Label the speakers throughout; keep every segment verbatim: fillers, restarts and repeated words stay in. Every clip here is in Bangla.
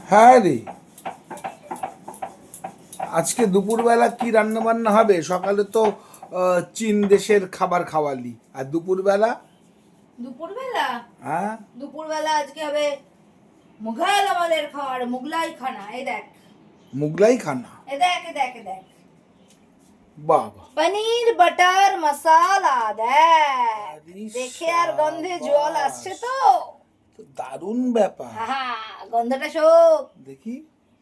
Speaker 1: হ্যাঁ রে, আজকে দুপুরবেলা কি রান্না বান্না হবে? সকালে তো আহ, চীন দেশের খাবার খাওয়ালি, আর দুপুরবেলা?
Speaker 2: দুপুরবেলা
Speaker 1: হ্যাঁ,
Speaker 2: দুপুরবেলা আজকে হবে মুঘল আমলের খাবার, মুগলাই খানা। এই দেখ,
Speaker 1: মুগলাই খানা।
Speaker 2: এ দেখ, এ দেখ, এ দেখ,
Speaker 1: বাবা,
Speaker 2: পনির বাটার মশালা। দেখ,
Speaker 1: আরে
Speaker 2: দেখে আর গন্ধে জল আসছে তো।
Speaker 1: তো দারুণ ব্যাপার।
Speaker 2: আহা, গন্ধটা শোক।
Speaker 1: দেখি,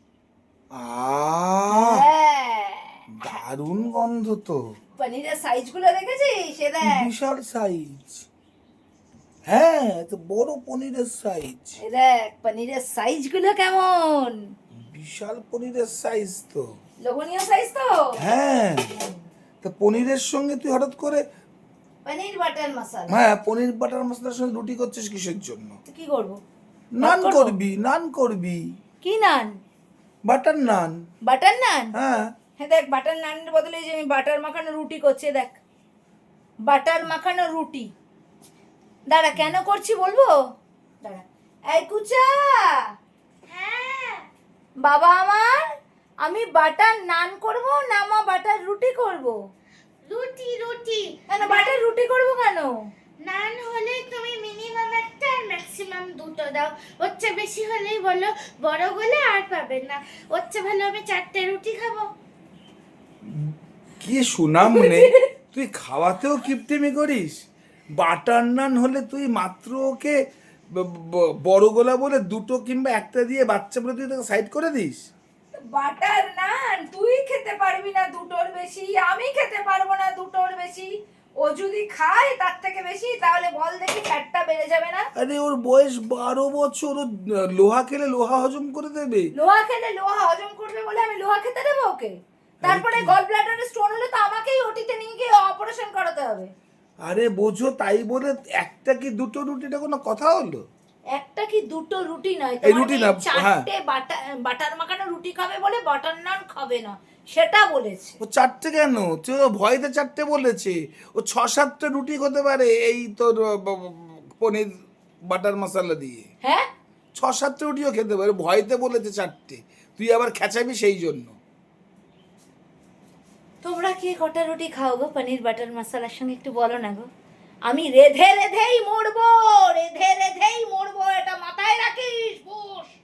Speaker 1: আহ
Speaker 2: হ্যাঁ,
Speaker 1: দারুণ গন্ধ তো।
Speaker 2: পনিরের সাইজ গুলো দেখেছিস? সে দেখ,
Speaker 1: বিশাল সাইজ। হ্যাঁ, তো বড় পনিরের সাইজ।
Speaker 2: এ দেখ পনিরের সাইজ গুলো কেমন।
Speaker 1: বিশাল পনিরের সাইজ তো।
Speaker 2: লোভনীয় সাইজ তো।
Speaker 1: হ্যাঁ, তো পনিরের সঙ্গে তুই হঠাৎ করে,
Speaker 2: পনির বাটার মশালা।
Speaker 1: হ্যাঁ, পনির বাটার মশলার সঙ্গে রুটি করছিস কিসের জন্য?
Speaker 2: তো কি করবো?
Speaker 1: নান
Speaker 2: করবো?
Speaker 1: করবি, নান করবি,
Speaker 2: কি নান?
Speaker 1: বাটার নান।
Speaker 2: বাটার নান।
Speaker 1: হ্যাঁ,
Speaker 2: হ্যাঁ দেখ, বাটার নানের বদলে এই যে আমি বাটার মাখানো রুটি করছি। দেখ, বাটার মাখানো রুটি। দাঁড়া, কেন করছি বলবো? দাঁড়া। এই কুচা,
Speaker 3: হ্যাঁ,
Speaker 2: বাবা আমার, আমি বাটার নান করব না মা বাটার রুটি করব?
Speaker 3: রুটি রুটি
Speaker 2: কেন বাটার রুটি করব কেন?
Speaker 3: নান হলে তুমি মিনিমাম একটা আর ম্যাক্সিমাম দুটো দাও। ওর চেয়ে বেশি হলেই বলো, বড় হলে আর পাবে না। ওর চেয়ে ভালো আমি চারটে রুটি খাবো।
Speaker 1: কি সুনাম নে, তুই খাওয়াতেও কিপটেমি করিস। বাটার নান হলে তুই মাত্র ওকে ব- ব- বড় গোলা বলে দুটো কিংবা একটা দিয়ে বাচ্চা বলে তুই তাকে সাইড করে দিস।
Speaker 2: বাটার নান তুই খেতে পারবি না দুটোর বেশি, আমি খেতে পারবো না দুটোর বেশি। ও যদি খায় তার থেকে বেশি, তাহলে বল দেখি ফ্যাটটা বেড়ে যাবে না?
Speaker 1: আরে ওর বয়স বারো বছর, ও লোহা খেলে লোহা হজম করে দেবে।
Speaker 2: লোহা খেলে লোহা হজম করবে বলে আমি লোহা খেতে দেবো ওকে? তারপরে
Speaker 1: কি?
Speaker 2: গল ব্লাডারে স্টোন হলে তো আমাকেই ওটিতে নিয়ে গিয়ে অপারেশন করাতে হবে।
Speaker 1: আরে বোঝো, তাই বলে একটা কি দুটো রুটিটা কোনো কথা হলো?
Speaker 2: একটা কি দুটো রুটি নয়,
Speaker 1: এই
Speaker 2: তোমার
Speaker 1: রুটি
Speaker 2: মেয়ে
Speaker 1: না, হ্যাঁ।
Speaker 2: চারটে বাটার বাটার মাখানো রুটি খাবে বলে বাটার নান খাবে না, সেটা বলেছে।
Speaker 1: ও চারটে কেন? তুই ও ভয়তে চারটে বলেছে। ও ছ সাতটা রুটি হতে পারে এই তোর ব- ব- পনির বাটার মশলা দিয়ে।
Speaker 2: হ্যাঁ,
Speaker 1: ছ সাতটা রুটিও খেতে পারে, ভয়তে বলেছে চারটে। তুই আবার খেঁচাবি সেই জন্য।
Speaker 2: তোমরা কে কটা রুটি খাও গো পনির বাটার মশলার সঙ্গে, একটু বলো না গো। আমি রেধে রেধেই মরবো, রেধে রেধেই মরবো, এটা মাথায় রাখিস বোস।